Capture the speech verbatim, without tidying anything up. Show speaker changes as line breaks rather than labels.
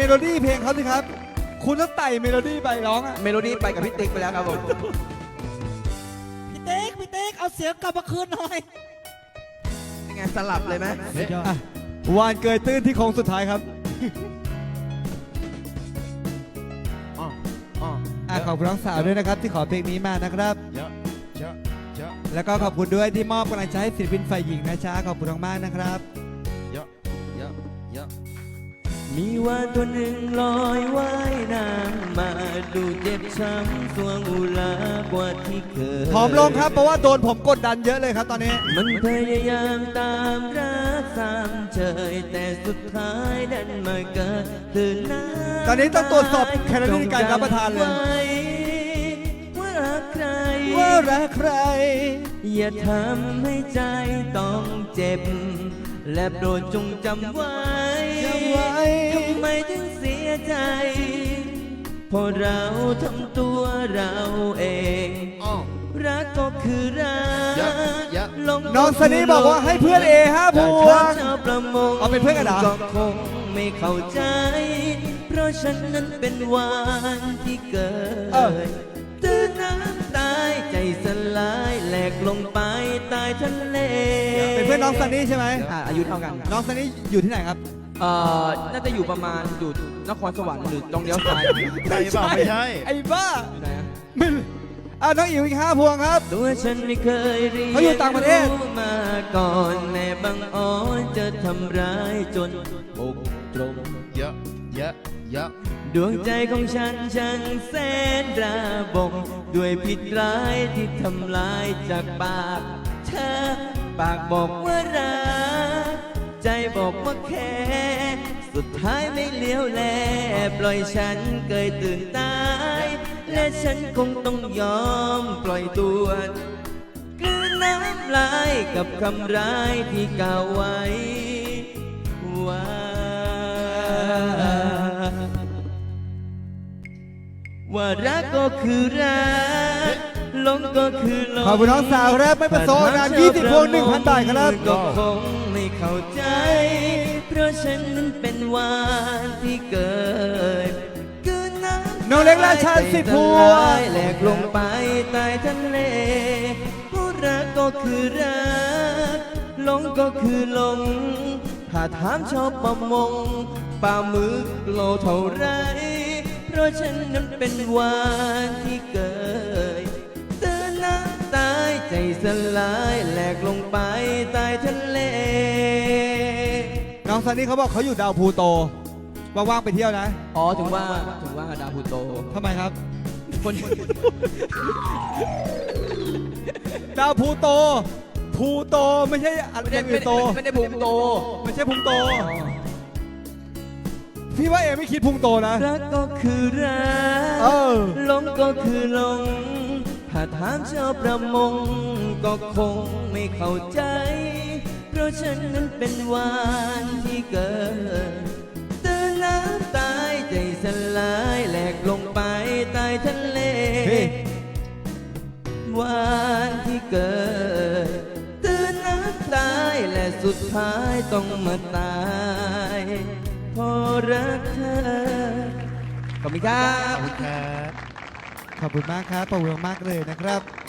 โลดี้เพลงเขาสิครับคุณต้องไต่เมโลดี้ไปร้องอะ
เมโลดี้ไปกับพี่ติ๊กไปแล้วครับผม
พี่เต๊กพี่เต๊กเอาเสียงกลับมาคืนหน่อย
ยังไงสลับเลยไหม
อ่ะวานเกยตื้นที่โค้งสุดท้ายครับ
อ๋ออ๋อ
อ่ะขอบคุณน้องสาวด้วยนะครับที่ขอเพลงนี้มานะครับ
เยอะเยอะเยอะ
แล้วก็ขอบคุณด้วยที่มอบกำลังใจให้ศิลปินฝ่ายหญิงนะจ๊ะขอบคุณมากๆนะครับ
เยอะเยอะเยอะ
มีวานตัวหนึ่งลอยว่ายน้ำมาดูเจ็บช้ำสวงอุลากว่าที่เคย
ผอมลงครับเพราะว่าโดนผมกดดันเยอะเลยครับตอนนี้
มันพยายามตามรักสามเฉยแต่สุดท้ายดันมาเกิดตื่นน้ำ
ตอนนี้ต้องตรวจสอบแคลอรี่ในการรับประทานเลย
ว่ารักใคร
ว่ารักใคร
อย่าทำให้ใจต้องเจ็บ และโปรดจงจำไว้
จำไว้
ทำไมถึงเสียใจเพราะเราทำตัวเราเอง
อ๋อ
รักก็คือรัก
เยอะเยอะ
หลง
น้องสนีบอกว่าให้เพื่อนเอห้าพวง
ชาวประมง
เอาเป็นเพื่อนกันเหรอ
ก็คงไม่เข้าใจ เพราะฉันนั้นเป็นวานที่เกิ
เออ
ดตื้นน้ำตายใจสลายแหลกลงไปใต้ทะเล
เป็นเพื่อนน้องซันนี่ใช่ไหม
อ่ะอายุเท่ากัน
น้องซันนี่อยู่ที่ไหนครับ
เอ่อน่าจะอยู่ประมาณอยู่นครสวรรค์หรือตรงเลี้ยวซ้าย
ใช่เปล่าไม่ใช่
ไอ้บ้า
อยู่ไหนอะ
ไม่อ่ะน้องอิ๋วอีกห้าพวงครับ
ตัวฉันไม่เคยเรียน
เขาอยู่ต่างประเทศ
รู้มาก่อนแม่บังอ่อนจะทำร้ายจนอกตรง
เยอะเยอะเยอะ
ดวงใจของฉันช่างแสนระบมด้วยพิษร้ายที่ทำลายจากปากเธอปากบอกว่ารักใจบอกว่าแค่สุดท้ายไม่เลี้ยวแลปล่อยฉันเกยตื่นตายและฉันคงต้องยอมปล่อยตัวกลืนน้ำลายกับคำร้ายที่กล่าวไว้ว่าว่ารักก็คือรักหลงก็คือหลง
ขอบคุณน้องสาวครับไม่ประสงค์งานยี่สิบพวงหนึ่งพันบาทครับ
ก็คงไม่เข้าใจ เพราะฉันนั้นเป็นวานที่เกิดเกินน้ำ
น้องเล็กราชาสิบพวง
แหลกลงไปใต้ทะเลผู้รักก็คือรักหลงก็คือหลงถ้าถามชอบประมงปลาหมึกโลเท่าไรเพราะฉันนั้นเป็นวานที่เกิดเตือนน้ำตายใจสลายแหลกลงไปใต้ทะเล
น้องซันนี่เขาบอกเขาอยู่ดาวพลูโตว่างๆไปเที่ยวนะ
อ๋อถึงว่าถึงว่าดาวพลูโต
ทำไมครับ
คน
ดาวพลูโตพลูโตไม่ใช่อะไร
ไม่
อ
ได้
ย่าง
ไม่
อื่น
ได้
โต
ไม่ได้พุงโต
ไม่ใช่พุงโต พี่ว่าเอไม่คิดพุงโตนะ
รักก็คือรั
เอก อ
หลงก็คือหลงถ้าถามชาวประมงก็คงไม่เข้าใจ เพราะฉันนั้นเป็นวานที่เกิดเตือนน้ำตายใจสลายแหลกลงไปใต้ทะเล
เฮ้ย
วานที่เกิดเตือนน้ำตายและสุดท้ายต้องมาตายเพราะรักเธอ
ขอบคุณครับ
ขอบคุณครับ
ขอบคุณมากครับขอบคุณมากเลยนะครับ